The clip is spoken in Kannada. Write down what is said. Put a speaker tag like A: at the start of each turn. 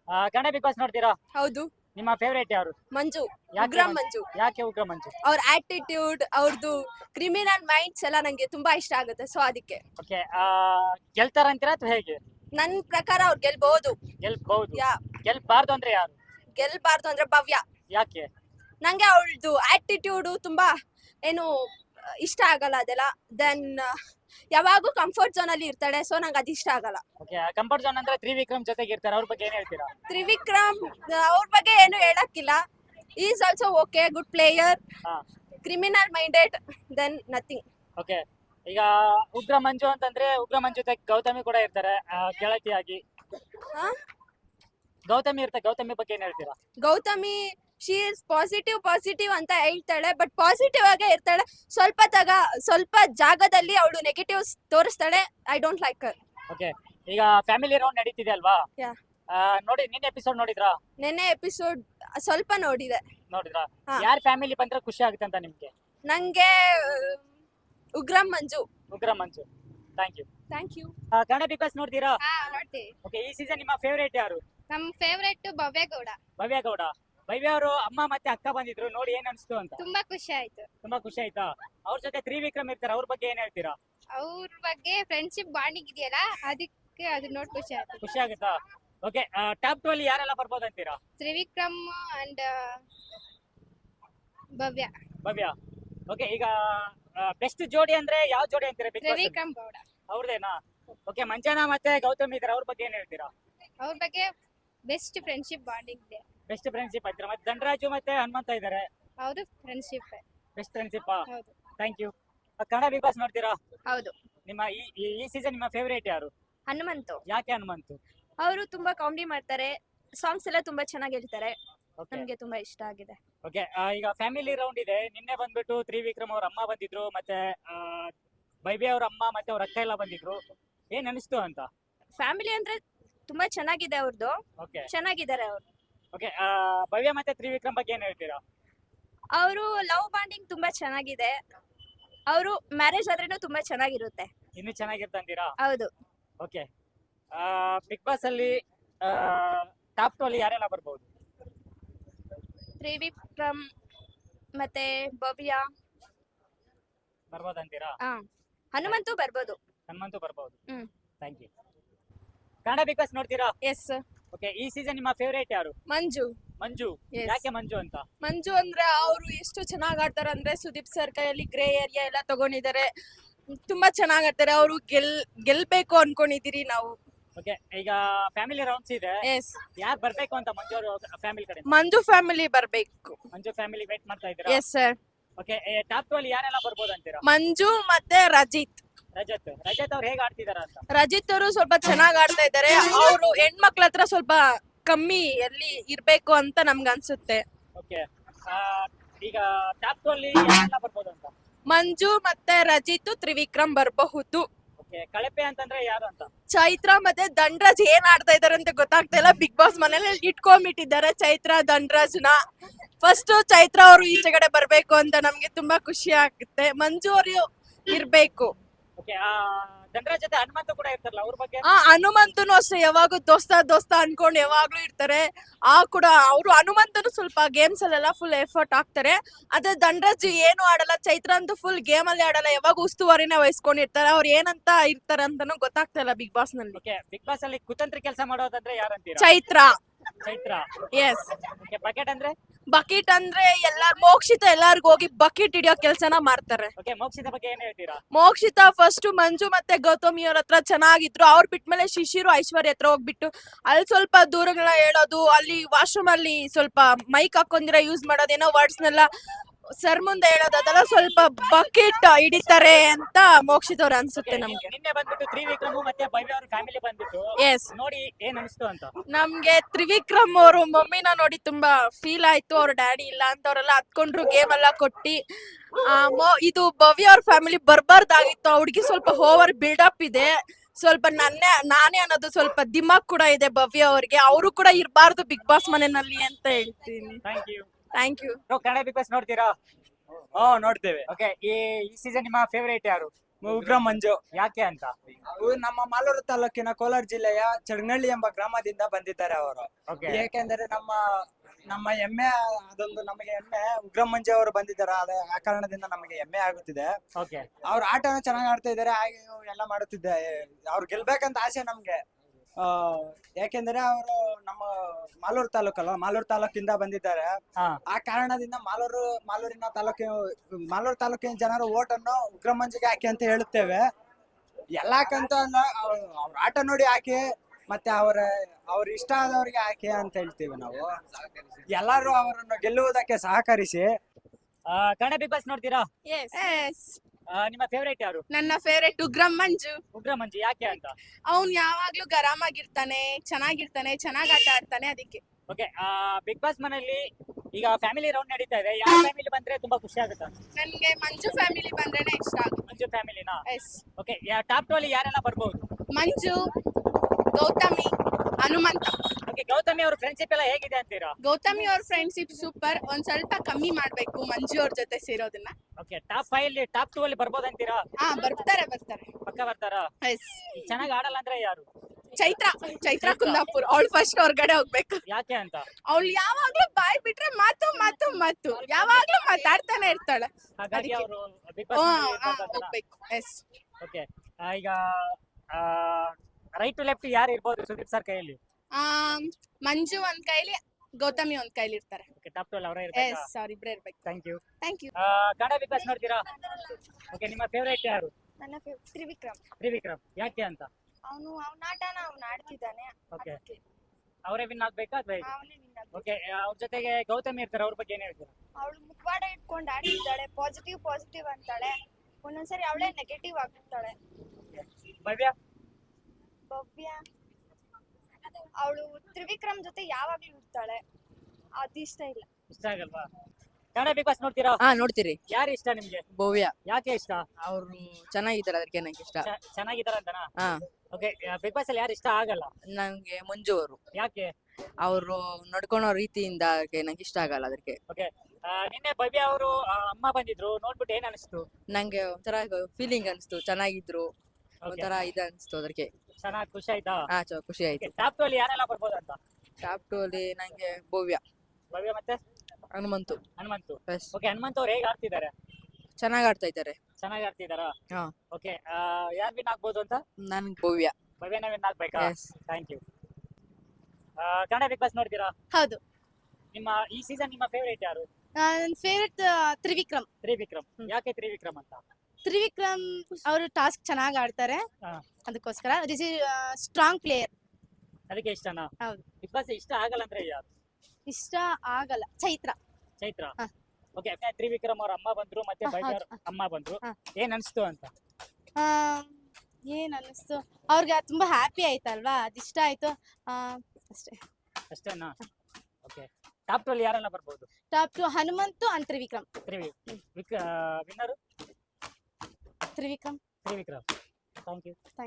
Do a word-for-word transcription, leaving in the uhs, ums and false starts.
A: ಕನ್ನಡ ಬಿಗ್ ಬಾಸ್ ನೋಡ್ತೀರಾ?
B: ಹೌದು.
A: ನಿಮ್ಮ ಫೇವರೇಟ್ ಯಾರು?
B: ಮಂಜು.
A: ಯಾಕೆ
B: ಉಗ್ರಂ
A: ಮಂಜು?
B: ಮಂಜು.
A: ಯಾಕೆ ಉಗ್ರ ಮಂಜು?
B: ಅವ್ರ ಆಟಿಟ್ಯೂಡ್, ಅವ್ರದ್ದು ಕ್ರಿಮಿನಲ್ ಮೈಂಡ್ಸ್ ಎಲ್ಲ ನಂಗೆ ತುಂಬಾ ಇಷ್ಟ ಆಗುತ್ತೆ. ಸೊ ಅದಕ್ಕೆ
A: ಓಕೆ, ಗೆಲ್ತಾರಂತೀರಾ ಅಥವಾ ಹೇಗೆ?
B: ನನ್ ಪ್ರಕಾರ ಅವ್ರು ಗೆಲ್ಬಹುದು.
A: ಗೆಲ್ಬಹುದು.
B: ಯಾ
A: ಗೆಲ್ಬಾರ್ದು ಅಂದ್ರೆ ಯಾರು?
B: ಗೆಲ್ಬಾರ್ದು ಅಂದ್ರೆ ಭವ್ಯ.
A: ಯಾಕೆ?
B: ನಂಗೆ ಅವಳದು ಆಟಿಟ್ಯೂಡ್ ತುಂಬಾ ಏನು ಇಷ್ಟ ಆಗಲ್ಲ ಅದೆಲ್ಲ. ದೆನ್ ಯಾವಾಗೂ ಕಂಫರ್ಟ್ ಝೋನ್ ಅಲ್ಲಿ ಇರ್ತಾಳೆ. ಸೊ ನಂಗೆ ಅದು ಇಷ್ಟ ಆಗಲ್ಲ.
A: ಓಕೆ, ಕಂಫರ್ಟ್ ಝೋನ್ ಅಂದ್ರೆ ತ್ರಿವಿಕ್ರಮ್ ಜೊತೆಗೆ ಇರ್ತಾರೆ, ಅವ್ರ ಬಗ್ಗೆ ಏನ್ ಹೇಳ್ತೀರಾ?
B: ತ್ರಿವಿಕ್ರಮ್ ಅವ್ರ ಬಗ್ಗೆ ಏನು ಹೇಳಕ್ಕಿಲ್ಲ. Is also okay, good player.
A: ಹಾ.
B: Criminal minded, then nothing.
A: Okay, ಈಗ ಉಗ್ರ ಮಂಜು ಅಂತಂದ್ರೆ ಉಗ್ರ ಮಂಜು ಜೊತೆ ಗೌತಮಿ ಕೂಡ ಇರ್ತಾರೆ, ಆ, ಗೆಳತಿಯಾಗಿ. ಗೌತಮಿ ಇರ್ತಾರೆ, ಗೌತಮಿ ಬಗ್ಗೆ ಏನ್ ಹೇಳ್ತೀರಾ?
B: Gautami she is positive positive ಅಂತ ಹೇಳ್ತಾಳೆ, ಬಟ್ ಪಾಸಿಟಿವ್ ಆಗೇ ಇರ್ತಾಳೆ. ಸ್ವಲ್ಪ ತಗ ಸ್ವಲ್ಪ ಜಾಗದಲ್ಲಿ ಅವಳು ನೆಗೆಟಿವ್ ತೋರಿಸ್ತಾಳೆ. I don't like her.
A: Okay, ಈಗ ಫ್ಯಾಮಿಲಿ ರೌಂಡ್ ನಡೀತಿದೆ ಅಲ್ವಾ?
B: ಯಾ.
A: ಆ, ನೋಡಿ, ನಿನ್ನೆ ಎಪಿಸೋಡ್ ನೋಡಿದ್ರಾ?
B: ನೆನ್ನೆ ಎಪಿಸೋಡ್ ಸ್ವಲ್ಪ ನೋಡಿದೆ.
A: ನೋಡಿದ್ರಾ?
B: ಹಾ.
A: ಯಾರ್ ಫ್ಯಾಮಿಲಿ ಬಂದ್ರೆ ಖುಷಿ ಆಗುತ್ತೆ ಅಂತ ನಿಮ್ಗೆ?
B: ನಂಗೆ Ugram Manju.
A: Ugra Manju. Thank you.
B: Thank you.
A: Kannada Bigg Boss ನೋಡ್ತೀರಾ?
C: ಹಾ ನೋಡ್ತೀವಿ.
A: ಓಕೆ, ಈ ಸೀಸನ್ ನಿಮ್ಮ ಫೇವರೇಟ್ ಯಾರು?
C: ನಮ್ ಫೇವ್ರೇಟ್ ಭವ್ಯ ಗೌಡ.
A: ಭವ್ಯ ಗೌಡ. ಭವ್ಯ ಅವರು ಅಮ್ಮ ಮತ್ತೆ ಅಕ್ಕ ಬಂದಿದ್ರು, ನೋಡಿ ಏನ್ ಅನ್ಸ್ತು ಅಂತ?
C: ತುಂಬಾ ಖುಷಿ ಆಯ್ತು.
A: ತುಂಬಾ ಖುಷಿ ಆಯ್ತಾ? ಅವ್ರ ಜೊತೆ ತ್ರಿವಿಕ್ರಮ್ ಇರ್ತಾರೆ, ಅವ್ರ ಬಗ್ಗೆ ಏನ್ ಹೇಳ್ತೀರಾ?
C: ಅವ್ರ ಬಗ್ಗೆ ಫ್ರೆಂಡ್ಶಿಪ್ ಬಾಂಡಿಂಗ್ ಇದೆಯಲ್ಲ, ಅದಕ್ಕೆ ಅದು ನೋಡಿ ಖುಷಿ ಆಯ್ತು.
A: ಖುಷಿ ಆಗುತ್ತಾ? ಓಕೆ, ಟಾಪ್ ಟು ಅಲ್ಲಿ ಯಾರೆಲ್ಲ ಬರ್ಬೋದು ಅಂತೀರಾ?
C: ತ್ರಿವಿಕ್ರಮ್ ಅಂಡ್ ಭವ್ಯ.
A: ಭವ್ಯ. ಓಕೆ, ಈಗ ಬೆಸ್ಟ್ ಜೋಡಿ ಅಂದ್ರೆ ಯಾವ ಜೋಡಿ ಅಂತೀರಾ ಬಿಗ್ ಬಾಸ್?
C: ತ್ರಿವಿಕ್ರಮ್ ಗೌಡ.
A: ಅವ್ರದೇನಾ? ಓಕೆ, ಮಂಜನಾ ಮತ್ತೆ ಗೌತಮಿ ಇದಾರೆ, ಅವ್ರ ಬಗ್ಗೆ ಏನ್ ಹೇಳ್ತೀರಾ?
C: ಅವ್ರ ಬಗ್ಗೆ ಬೆಸ್ಟ್ ಫ್ರೆಂಡ್ಶಿಪ್ ಬಾಂಡಿಂಗ್ ಇದೆ.
A: ಬೆಸ್ಟ್ ಫ್ರೆಂಡ್ಶಿಪ್ ಅಂತೀರಾ? ಮತ್ತೆ ಧನರಾಜು ಮತ್ತೆ ಹನುಮಂತ ಇದಾರೆ,
C: ಹೌದು, ಫ್ರೆಂಡ್ಶಿಪ್.
A: Best friendship.
C: ಹೌದು.
A: Thank you. Kannada Bigg Boss ನೋಡ್ತೀರಾ?
B: ಹೌದು.
A: ನಿಮ್ಮ ಈ ಈ- ಈ ಸೀಸನ್ ನಿಮ್ಮ ಫೇವರೇಟ್ ಯಾರು?
B: ಹನುಮಂತು.
A: ಯಾಕೆ ಹನುಮಂತು?
B: ಅವರು ತುಂಬಾ ಕಾಮಿಡಿ ಮಾಡ್ತಾರೆ, ಸಾಂಗ್ಸ್ ಎಲ್ಲ ತುಂಬಾ ಚೆನ್ನಾಗಿ ಹೇಳ್ತಾರೆ.
A: ಓಕೆ,
B: ನಮ್ಗೆ ತುಂಬಾ ಇಷ್ಟ ಆಗಿದೆ.
A: ಓಕೆ, ಈಗ ಫ್ಯಾಮಿಲಿ ರೌಂಡ್ ಇದೆ. ನಿನ್ನೆ ಬಂದ್ಬಿಟ್ಟು ತ್ರಿವಿಕ್ರಮ್ ಅವ್ರ ಅಮ್ಮ ಬಂದಿದ್ರು, ಮತ್ತೆ ಆ, ಭವ್ಯ ಅವ್ರ ಅಮ್ಮ ಮತ್ತೆ ಅವ್ರ ಅಕ್ಕ ಎಲ್ಲ ಬಂದಿದ್ರು. ಏನ್ ಅನಿಸ್ತು ಅಂತ?
B: ಫ್ಯಾಮಿಲಿ ಅಂದ್ರೆ ತುಂಬಾ ಚೆನ್ನಾಗಿದೆ ಅವ್ರದ್ದು.
A: ಓಕೆ,
B: ಚೆನ್ನಾಗಿದ್ದಾರೆ ಅವರು.
A: ಓಕೆ, ಭವ್ಯ ಮತ್ತೆ ತ್ರಿವಿಕ್ರಮ್ ಬಗ್ಗೆ ಏನ್ ಹೇಳ್ತೀರಾ?
B: ಅವರು ಲವ್ ಬಾಂಡಿಂಗ್ ತುಂಬಾ ಚೆನ್ನಾಗಿದೆ. ಅವರು ಮ್ಯಾರೇಜ್ ಆದ್ರೇನು ತುಂಬಾ ಚೆನ್ನಾಗಿರುತ್ತೆ.
A: ಇನ್ನು ಚೆನ್ನಾಗಿರ್ತಂತೀರಾ?
B: ಹೌದು.
A: ಓಕೆ, ಬಿಗ್ ಬಾಸ್ ಅಲ್ಲಿ ಟಾಪ್ ಟು ಅಲ್ಲಿ ಯಾರೆಲ್ಲ ಬರ್ಬೋದು?
B: ತ್ರಿವಿಕ್ರಮ್ ಮತ್ತೆ ಭವ್ಯ.
A: ಬರ್ಬೋದಂತೀರಾ?
B: ಆ ಹನುಮಂತು ಬರ್ಬೋದು.
A: ಹನುಮಂತು ಬರ್ಬೋದು.
B: Hmm.
A: Thank you. Kannada Bigg Boss ನೋಡ್ತೀರಾ?
B: ಎಸ್.
A: ಓಕೆ, ಈ ಸೀಸನ್ ನಿಮ್ಮ ಫೇವರೇಟ್ ಯಾರು?
B: ಮಂಜು.
A: ಮಂಜು.
B: Yes.
A: ಯಾಕೆ ಮಂಜು ಅಂತ?
B: ಮಂಜು ಅಂದ್ರೆ ಅವರು ಎಷ್ಟು ಚೆನ್ನಾಗ್ ಆಡ್ತಾರೆ ಅಂದ್ರೆ ಸುದೀಪ್ ಸರ್ ಕೈಯಲ್ಲಿ ಗ್ರೇ ಏರಿಯಾ ಎಲ್ಲ ತಗೊಂಡಿದ್ದಾರೆ. ತುಂಬಾ ಚೆನ್ನಾಗ್ ಆಡ್ತಾರೆ. ಅವರು ಗೆಲ್ ಗೆಲ್ಬೇಕು ಅನ್ಕೊಂಡಿದೀರಿ ನಾವು.
A: ಓಕೆ, ಈಗ ಫ್ಯಾಮಿಲಿ ರೌಂಡ್ಸ್ ಇದೆ,
B: ಎಸ್.
A: ಯಾರು ಬರ್ಬೇಕು ಅಂತ ಮಂಜು ಅವ್ರ ಫ್ಯಾಮಿಲಿ ಕಡೆ?
B: ಮಂಜು ಫ್ಯಾಮಿಲಿ ಬರ್ಬೇಕು.
A: ಮಂಜು ಫ್ಯಾಮಿಲಿ ವೇಟ್ ಮಾಡ್ತಾ ಇದ್ದೀರಾ?
B: Yes sir.
A: Okay, top two ಅಲ್ಲಿ ಯಾರೆಲ್ಲ ಬರ್ಬೋದು ಅಂತೀರಾ?
B: ಮಂಜು ಮತ್ತೆ ರಜಿತ್.
A: ರಜತ್. ರಜತ್ ಅವ್ರು ಹೇಗೆ ಆಡ್ತಿದಾರ ಅಂತ?
B: ರಜಿತ್ ಅವರು ಸ್ವಲ್ಪ ಚೆನ್ನಾಗ್ ಆಡ್ತಾ ಇದ್ದಾರೆ. ಅವರು ಹೆಣ್ಮಕ್ಳ ಹತ್ರ ಸ್ವಲ್ಪ ಕಮ್ಮಿ ಎಲ್ಲಿ ಇರ್ಬೇಕು ಅಂತ ನಮ್ಗೆ ಅನ್ಸುತ್ತೆ.
A: ಓಕೆ, ಈಗ ಟಾಪ್ ಟು ಅಲ್ಲಿ ಯಾರೆಲ್ಲ ಬರ್ಬೋದು ಅಂತ?
B: ಮಂಜು ಮತ್ತೆ ರಜಿತ್, ತ್ರಿವಿಕ್ರಮ್ ಬರಬಹುದು.
A: ಓಕೆ, ಕಳಪೆ ಅಂತಂದ್ರೆ ಯಾರು ಅಂತ?
B: ಚೈತ್ರ ಮತ್ತೆ ಧನ್ರಾಜ್ ಏನ್ ಆಡ್ತಾ ಇದಾರೆ ಅಂತ ಗೊತ್ತಾಗ್ತಾ ಇಲ್ಲ. ಬಿಗ್ ಬಾಸ್ ಮನೇಲಿ ಇಟ್ಕೊಂಡ್ಬಿಟ್ಟಿದ್ದಾರೆ ಚೈತ್ರ ಧನ್ರಾಜ್ನ. ಫಸ್ಟ್ ಚೈತ್ರ ಅವರು ಈಚೆಗಡೆ ಬರ್ಬೇಕು ಅಂತ ನಮ್ಗೆ ತುಂಬಾ ಖುಷಿ ಆಗುತ್ತೆ. ಮಂಜು ಅವರು ಇರ್ಬೇಕು.
A: ಓಕೆ, ಧನರಾಜ್ ಜೊತೆ ಹನುಮಂತ ಕೂಡ ಇರ್ತಾರಲ್ಲ, ಅವ್ರ ಬಗ್ಗೆ?
B: ಆ ಹನುಮಂತನು ಅಷ್ಟೇ ಯಾವಾಗೂ ದೋಸ್ತ ದೋಸ್ತ ಅನ್ಕೊಂಡು ಯಾವಾಗ್ಲೂ ಇರ್ತಾರೆ. ಆ ಕೂಡ ಅವರು ಹನುಮಂತನು ಸ್ವಲ್ಪ ಗೇಮ್ಸ್ ಅಲ್ಲೆಲ್ಲ ಫುಲ್ ಎಫರ್ಟ್ ಹಾಕ್ತಾರೆ. ಅದೇ ಧನ್ರಾಜ್ ಏನು ಆಡಲ್ಲ. ಚೈತ್ರ ಅಂತೂ ಫುಲ್ ಗೇಮ್ ಅಲ್ಲಿ ಆಡಲ್ಲ, ಯಾವಾಗ ಉಸ್ತುವಾರಿನೇ ವಹಿಸ್ಕೊಂಡಿರ್ತಾರೆ. ಅವ್ರು ಏನಂತ ಇರ್ತಾರೆ ಅಂತಾನು ಗೊತ್ತಾಗ್ತಾ ಇಲ್ಲ ಬಿಗ್ ಬಾಸ್ ನಲ್ಲಿ.
A: ಓಕೆ, ಬಿಗ್ ಬಾಸ್ ಅಲ್ಲಿ ಕುತಂತ್ರಿ ಕೆಲಸ ಮಾಡೋದಂದ್ರೆ ಯಾರಂತೀರಾ?
B: Chaitra.
A: Chaitra.
B: Yes.
A: Okay, bucket ಅಂದ್ರೆ?
B: ಬಕೆಟ್ ಅಂದ್ರೆ ಎಲ್ಲಾರ್ ಮೋಕ್ಷಿತ ಎಲ್ಲಾರ್ಗು ಹೋಗಿ ಬಕೆಟ್ ಹಿಡಿಯೋ ಕೆಲ್ಸನ ಮಾಡ್ತಾರೆ.
A: ಓಕೆ, ಮೋಕ್ಷಿತ ಬಗ್ಗೆ ಏನ್ ಹೇಳ್ತೀರಾ?
B: ಮೋಕ್ಷಿತ ಫಸ್ಟ್ ಮಂಜು ಮತ್ತೆ ಗೌತಮಿ ಅವ್ರ ಹತ್ರ ಚೆನ್ನಾಗಿದ್ರು. ಅವ್ರು ಬಿಟ್ಮೇಲೆ ಶಿಶಿರು ಐಶ್ವರ್ಯ ಹತ್ರ ಹೋಗ್ಬಿಟ್ಟು ಅಲ್ಲಿ ಸ್ವಲ್ಪ ದೂರಗಳ ಹೇಳೋದು, ಅಲ್ಲಿ ವಾಶ್ರೂಮ್ ಅಲ್ಲಿ ಸ್ವಲ್ಪ ಮೈಕ್ ಹಾಕೊಂಡಿರ ಯೂಸ್ ಮಾಡೋದೇನೋ ವರ್ಡ್ಸ್ ನೆಲ್ಲ ಸರ್ ಮುಂದೆ ಹೇಳೋದು, ಅದೆಲ್ಲ ಸ್ವಲ್ಪ ಬಕೆಟ್ ಹಿಡಿತಾರೆ ಅಂತ ಮೋಕ್ಷಿತ್ ಅವ್ರ ಅನ್ಸುತ್ತೆ ನಮ್ಗೆ.
A: ನಿನ್ನೆ ಬಂದ್ಬಿಟ್ಟು ತ್ರಿವಿಕ್ರಮ್ ಮತ್ತೆ ಭವ್ಯ ಅವ್ರ ಫ್ಯಾಮಿಲಿ ಬಂದ್ಬಿಟ್ಟು
B: ಎಸ್.
A: ನೋಡಿ ಏನ್ ಅನಿಸ್ತು ಅಂತ?
B: ನಮ್ಗೆ ತ್ರಿವಿಕ್ರಮ್ ಅವರು ಮಮ್ಮಿನ ನೋಡಿ ತುಂಬಾ ಫೀಲ್ ಆಯ್ತು. ಅವ್ರ ಡ್ಯಾಡಿ ಇಲ್ಲ ಅಂತ ಅವರೆಲ್ಲ ಹತ್ಕೊಂಡ್ರು, ಗೇಮ್ ಎಲ್ಲ ಕೊಟ್ಟಿ. ಆ ಇದು ಭವ್ಯ ಅವ್ರ ಫ್ಯಾಮಿಲಿ ಬರ್ಬಾರ್ದಾಗಿತ್ತು. ಹುಡುಗಿ ಸ್ವಲ್ಪ ಓವರ್ ಬಿಲ್ಡಪ್ ಇದೆ. ಸ್ವಲ್ಪ ನನ್ನೇ ನಾನೇ ಅನ್ನೋದು ಸ್ವಲ್ಪ ದಿಮಾಗ್ ಕೂಡ ಇದೆ ಭವ್ಯ ಅವ್ರಿಗೆ. ಅವರು ಕೂಡ ಇರಬಾರ್ದು ಬಿಗ್ ಬಾಸ್ ಮನೆಯಲ್ಲಿ ಅಂತ ಹೇಳ್ತೀನಿ.
A: Thank you.
B: Thank you.
A: Kannada Bigg Boss ನೋಡ್ತೀರಾ?
D: ಹಾ ನೋಡ್ತೇವೆ.
A: ಓಕೆ, ಈ ಸೀಸನ್ ನಿಮ್ಮ ಫೇವರೇಟ್ ಯಾರು?
D: ಉಗ್ರ ಮಂಜು.
A: ಯಾಕೆ ಅಂತ?
D: ಇವ್ರು ನಮ್ಮ ಮಾಲೂರು ತಾಲೂಕಿನ ಕೋಲಾರ ಜಿಲ್ಲೆಯ ಚಡನಹಳ್ಳಿ ಎಂಬ ಗ್ರಾಮದಿಂದ ಬಂದಿದ್ದಾರೆ ಅವರು.
A: ಓಕೆ
D: ಏಕೆಂದರೆ ನಮ್ಮ ನಮ್ಮ ಹೆಮ್ಮೆ ಅದೊಂದು ನಮಗೆ ಹೆಮ್ಮೆ ಉಗ್ರ ಮಂಜು ಅವರು ಬಂದಿದ್ದಾರೆ. ಅದೇ ಆ ಕಾರಣದಿಂದ ನಮಗೆ ಹೆಮ್ಮೆ ಆಗುತ್ತಿದೆ.
A: ಓಕೆ
D: ಅವ್ರ ಆಟನ ಚೆನ್ನಾಗಿ ಆಡ್ತಾ ಇದ್ದಾರೆ, ಹಾಗೆ ಎಲ್ಲ ಮಾಡುತ್ತಿದ್ದೆ. ಅವ್ರು ಗೆಲ್ಬೇಕಂತ ಆಸೆ ನಮ್ಗೆ. ಆ ಯಾಕೆಂದ್ರೆ ಅವರು ನಮ್ಮ ಮಾಲೂರು ತಾಲೂಕಲ್ಲ, ಮಾಲೂರು ತಾಲೂಕಿಂದ ಬಂದಿದ್ದಾರೆ.
A: ಹಾ
D: ಆ ಕಾರಣದಿಂದ ಮಾಲೂರು ಮಾಲೂರಿನ ತಾಲೂಕಿನ ಮಾಲೂರು ತಾಲೂಕಿನ ಜನರು ಓಟನ್ನು ಉಗ್ರ ಮಂಜಿಗೆ ಹಾಕಿ ಅಂತ ಹೇಳುತ್ತೇವೆ. ಎಲ್ಲಾಕಂತ ಅಲ್ಲ, ಅವ್ರ ಅವ್ರ ಆಟ ನೋಡಿ ಹಾಕಿ, ಮತ್ತೆ ಅವರ ಅವ್ರ ಇಷ್ಟ ಆದವ್ರಿಗೆ ಹಾಕಿ ಅಂತ ಹೇಳ್ತೀವಿ ನಾವು. ಎಲ್ಲರೂ ಅವರನ್ನು ಗೆಲ್ಲುವುದಕ್ಕೆ ಸಹಕರಿಸಿ.
A: ಆ, ಕನ್ನಡ ಬಿಗ್ ಬಾಸ್ ನೋಡ್ತೀರಾ?
B: Yes.
A: ಆ, ನಿಮ್ಮ ಫೇವರೇಟ್ ಯಾರು?
B: ನನ್ನ ಫೇವ್ರೆಟ್ ಉಗ್ರಂ ಮಂಜು.
A: ಉಗ್ರ ಮಂಜು. ಯಾಕೆ ಅಂತ?
B: ಅವ್ನ್ ಯಾವಾಗ್ಲೂ ಗರಂ ಆಗಿರ್ತಾನೆ, ಚೆನ್ನಾಗಿರ್ತಾನೆ, ಚೆನ್ನಾಗ್ ಆಟ ಆಡ್ತಾನೆ, ಅದಕ್ಕೆ.
A: ಓಕೆ ಬಿಗ್ ಬಾಸ್ ಮನೆಯಲ್ಲಿ ಈಗ ಫ್ಯಾಮಿಲಿ ರೌಂಡ್ ನಡೀತಾ ಇದೆ. ಯಾವ ಫ್ಯಾಮಿಲಿ ಬಂದ್ರೆ ತುಂಬಾ ಖುಷಿ ಆಗುತ್ತೆ?
B: ನನ್ಗೆ ಮಂಜು ಫ್ಯಾಮಿಲಿ ಬಂದ್ರೇನೆ ಇಷ್ಟ ಆಗುತ್ತೆ.
A: ಮಂಜು ಫ್ಯಾಮಿಲಿನಾ?
B: ಎಸ್.
A: ಓಕೆ ಟಾಪ್ ಟು ಅಲ್ಲಿ ಯಾರೆಲ್ಲ ಬರ್ಬೋದು?
B: ಮಂಜು, ಗೌತಮಿ, ಹನುಮಂತ.
A: ಓಕೆ ಗೌತಮಿ ಅವ್ರ ಫ್ರೆಂಡ್ಶಿಪ್ ಎಲ್ಲ ಹೇಗಿದೆ ಅಂತೀರಾ?
B: ಗೌತಮಿ ಅವ್ರ ಫ್ರೆಂಡ್ಶಿಪ್ ಸೂಪರ್. ಒಂದ್ ಸ್ವಲ್ಪ ಕಮ್ಮಿ ಮಾಡ್ಬೇಕು ಮಂಜು ಅವ್ರ ಜೊತೆ ಸೇರೋದನ್ನ.
A: ಓಕೆ ಟಾಪ್ ಫೈವ್ ಅಲ್ಲಿ ಟಾಪ್ ಟು ಅಲ್ಲಿ ಬರ್ಬೋದು ಅಂತೀರಾ?
B: ಹಾ, ಬರ್ತಾರೆ ಬರ್ತಾರೆ.
A: ಪಕ್ಕ ಬರ್ತಾರಾ?
B: ಎಸ್.
A: ಚೆನ್ನಾಗಿ ಆಡಲ್ಲ ಅಂದ್ರೆ ಯಾರು?
B: ಚೈತ್ರ ಚೈತ್ರ ಕುಂದಾಪುರ್. ಅವಳು ಫಸ್ಟ್ ಹೊರಗಡೆ ಹೋಗ್ಬೇಕು.
A: ಯಾಕೆ ಅಂತ?
B: ಅವಳು ಯಾವಾಗ್ಲೂ ಬಾಯ್ ಬಿಟ್ರೆ ಮಾತು ಮಾತು ಮಾತು, ಯಾವಾಗ್ಲೂ ಮಾತಾಡ್ತಾನೆ ಇರ್ತಾಳೆ.
A: ಹಾಗಾಗಿ
B: ಅದಕ್ಕೆ.
A: ಅವರು ಬಿಗ್
B: ಹಾ, ಹಾ,
A: ಬಾಸ್
B: ಹೋಗ್ಬೇಕು. ಎಸ್.
A: ಓಕೆ ಈಗ ರೈಟ್ ಟು ಲೆಫ್ಟ್ ಯಾರು ಇರ್ಬೋದು ಸುದೀಪ್ ಸರ್ ಕೈಯಲ್ಲಿ?
B: ಮಂಜು ಒಂದ್ ಕೈಲಿ, ಗೌತಮಿ ಒಂದ್ ಕೈಲಿ ಇರ್ತಾರೆ.
A: ಓಕೆ ಟಾಪ್ ಟು ಅಲ್ಲಿ ಅವರೇ
B: ಎಸ್,
A: ಇರ್ಬೇಕಾ?
B: ಸಾರಿ ಇಬ್ರೇ ಇರ್ಬೇಕು.
A: Thank you.
B: Thank you.
A: Kannada Bigg Boss ನೋಡ್ತೀರಾ? ಓಕೆ ನಿಮ್ಮ ಫೇವರೇಟ್ ಯಾರು?
C: ನನ್ನ ತ್ರಿವಿಕ್ರಮ್.
A: ತ್ರಿವಿಕ್ರಮ್. ಯಾಕೆ ಅಂತ?
C: ಅವನು ಅವನ ಆಟನ ಅವ್ನು ಆಡ್ತಿದ್ದಾನೆ.
A: ಓಕೆ ಅವರೇ ವಿನ್ ಆಗ್ಬೇಕಾ ಅಥವಾ ಹೇಗೆ?
C: ಅವನೇ ವಿನ್ ಆಗ್ಬೇಕು.
A: ಓಕೆ ಅವ್ರ ಜೊತೆಗೆ ಗೌತಮಿ ಇರ್ತಾರೆ, ಅವ್ರ ಬಗ್ಗೆ ಏನ್ ಹೇಳ್ತೀರಾ?
C: ಅವಳು ಮುಖವಾಡ ಇಟ್ಕೊಂಡು ಆಡ್ತಿದ್ದಾಳೆ, ಪಾಸಿಟಿವ್ ಪಾಸಿಟಿವ್ ಅಂತಾಳೆ. ಒಂದೊಂದ್ಸರಿ ಅವಳೇ ನೆಗೆಟಿವ್ ಆಗಿರ್ತಾಳೆ.
A: ಭವ್ಯ?
C: ಭವ್ಯ ಅವಳು ತ್ರಿವಿಕ್ರಮ್ ಜೊತೆ ಯಾವಾಗ್ಲೂ ಇರ್ತಾಳೆ, ಅದು ಇಷ್ಟ ಇಲ್ಲ.
A: ಇಷ್ಟ ಆಗಲ್ವಾ? ಕನ್ನಡ ಬಿಗ್ ಬಾಸ್ ನೋಡ್ತೀರಾ?
E: ಹಾ ನೋಡ್ತೀರಿ.
A: ಯಾರು ಇಷ್ಟ ನಿಮ್ಗೆ?
E: ಭವ್ಯ
A: ಯಾಕೆ ಇಷ್ಟ?
E: ಅವ್ರು ಚೆನ್ನಾಗಿದ್ದಾರೆ, ಅದಕ್ಕೆ ನಂಗೆ ಇಷ್ಟ.
A: ಚ- ಚೆನ್ನಾಗಿದಾರ ಅಂತನಾ?
E: ಹಾ,
A: ಓಕೆ ಬಿಗ್ ಬಾಸ್ ಅಲ್ಲಿ ಯಾರು ಇಷ್ಟ ಆಗಲ್ಲ?
E: ನಂಗೆ ಮಂಜು ಅವರು.
A: ಯಾಕೆ?
E: ಅವರು ನಡ್ಕೊಳೋ ರೀತಿಯಿಂದ ಅದಕ್ಕೆ ನಂಗೆ ಇಷ್ಟ ಆಗಲ್ಲ ಅದಕ್ಕೆ.
A: ಓಕೆ ನಿನ್ನೆ ಭವ್ಯ ಅವರು ಅಮ್ಮ ಬಂದಿದ್ರು, ನೋಡ್ಬಿಟ್ಟು ಏನ್ ಅನಿಸ್ತು?
E: ನಂಗೆ ಒಂಥರ ಫೀಲಿಂಗ್ ಅನ್ಸ್ತು, ಚೆನ್ನಾಗಿದ್ರು,
A: Okay.
E: ಒಂಥರ ಇದು ಅನ್ಸ್ತು ಅದಕ್ಕೆ.
A: ಚೆನ್ನಾಗಿ ಖುಷಿ ಆಯ್ತಾ?
E: ಹಾ, ಚ- ಖುಷಿ ಆಯ್ತು.
A: ಟಾಪ್ ಟು ಅಲ್ಲಿ ಯಾರೆಲ್ಲ ಬರ್ಬೋದು ಅಂತ?
E: ಟಾಪ್ ಟು ಅಲ್ಲಿ ನಂಗೆ ಭವ್ಯ,
A: ಭವ್ಯ ಮತ್ತೆ
E: ಹನುಮಂತು.
A: ಹನುಮಂತು.
E: ಎಸ್,
A: ಓಕೆ ಹನುಮಂತ್ ಅವ್ರು ಹೇಗೆ ಆಡ್ತಿದ್ದಾರೆ?
E: ಚೆನ್ನಾಗಿ ಆಡ್ತಾ ಇದ್ದಾರೆ.
A: ಚೆನ್ನಾಗಿ ಆಡ್ತಿದಾರಾ?
E: ಹಾ.
A: ಓಕೆ ಯಾರು ವಿನ್ ಆಗ್ಬೋದು ಅಂತ?
E: ನನ್ಗೆ ಭವ್ಯ.
A: ಭವ್ಯನ ವಿನ್ ಆಗ್ಬೇಕಾ?
E: Yes.
A: Thank you. Kannada Bigg Boss ನೋಡ್ತೀರಾ?
B: ಹೌದು.
A: ನಿಮ್ಮ ಈ ಸೀಸನ್ ನಿಮ್ಮ ಫೇವರೇಟ್ ಯಾರು?
B: ನನ್ನ ಫೇವ್ರೆಟ್ ತ್ರಿವಿಕ್ರಮ್.
A: ತ್ರಿವಿಕ್ರಮ್.
B: ಹ್ಮ್.
A: ಯಾಕೆ ತ್ರಿವಿಕ್ರಮ್ ಅಂತ?
B: ತ್ರಿವಿಕ್ರಮ್ ಅವರು ಟಾಸ್ಕ್ ಚೆನ್ನಾಗಿ ಆಡ್ತಾರೆ,
A: ಹಾ.
B: ಅದಕ್ಕೋಸ್ಕರ. This is strong player.
A: ಅದಕ್ಕೆ ಇಷ್ಟನಾ?
B: ಹೌದು.
A: ಬಿಗ್ ಬಾಸ್ ಇಷ್ಟ ಆಗಲ್ಲ ಅಂದ್ರೆ ಯಾರು?
B: ಇಷ್ಟ ಆಗಲ್ಲ ಚೈತ್ರ.
A: ಚೈತ್ರ.
B: ಹಾ.
A: ಓಕೆ ತ್ರಿವಿಕ್ರಮ್ ಅವ್ರ ಅಮ್ಮ ಬಂದ್ರು, ಮತ್ತೆ
B: ಹಾ,
A: ಭವ್ಯ ಅವ್ರ
B: ಹೌದು.
A: ಅಮ್ಮ ಬಂದ್ರು,
B: ಹಾ.
A: ಏನ್ ಅನ್ಸ್ತು ಅಂತ?
B: ಆ, ಏನ್ ಅನ್ನಿಸ್ತು, ಅವ್ರಿಗೆ ತುಂಬಾ ಹ್ಯಾಪಿ ಆಯ್ತಲ್ವಾ, ಅದಿಷ್ಟ ಆಯ್ತು. ಆ, ಅಷ್ಟೇ.
A: ಅಷ್ಟೇನಾ? ಓಕೆ ಟಾಪ್ ಟು ಅಲ್ಲಿ ಯಾರೆಲ್ಲ ಬರ್ಬೋದು?
B: Top two Hanumanthu and Trivikram.
A: Trivi winner
B: Trivikram.
A: Trivikram. Thank you.